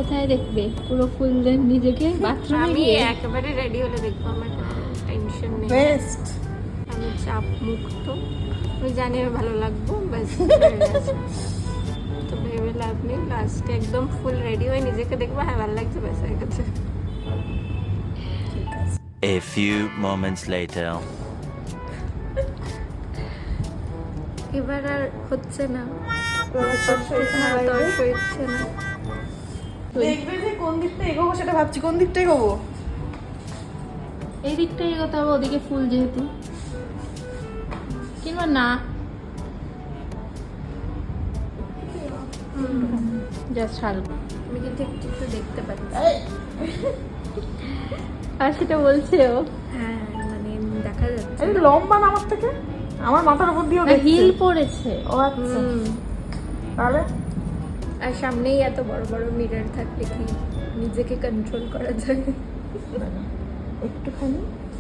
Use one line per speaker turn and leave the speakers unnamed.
কোথায় দেখবে? পুরো ফুল নিজেকে বাথরুমে
আমি
গিয়ে?
একেবারে রেডি হলে দেখবো, আমার টেনশন নেই,
বেস্ট।
আমি চাপ মুক্ত, আমি জানি আমি ভালো লাগবো, ব্যাস। তো ভেবে লাভ নেই, লাস্টে একদম ফুল রেডি হয়ে নিজেকে দেখবো, হ্যাঁ ভালো লাগছে, ব্যাস হয়ে গেছে।
A few moments later.
এবার আর হচ্ছে না,
দেখবে
ইচ্ছে না।
যে কোন দিকটা এগোবো সেটা ভাবছি, কোন দিকটা এগোবো।
এই দিকটা এগোতে হবে, ওদিকে ফুল যেহেতু। কিংবা না, জাস্ট হালকা।
আমি কিন্তু একটু একটু দেখতে পাচ্ছি,
আর সেটা বলছে ও।
হ্যাঁ মানে দেখা যাচ্ছে।
এই লম্বা না আমার থেকে, আমার মাথার উপর দিয়েও দেখছে।
হিল পড়েছে।
ও আচ্ছা,
হুম।
তাহলে
আর সামনেই এত বড় বড় মিরর থাকলে কি নিজেকে কন্ট্রোল করা যায়?
একটুখানি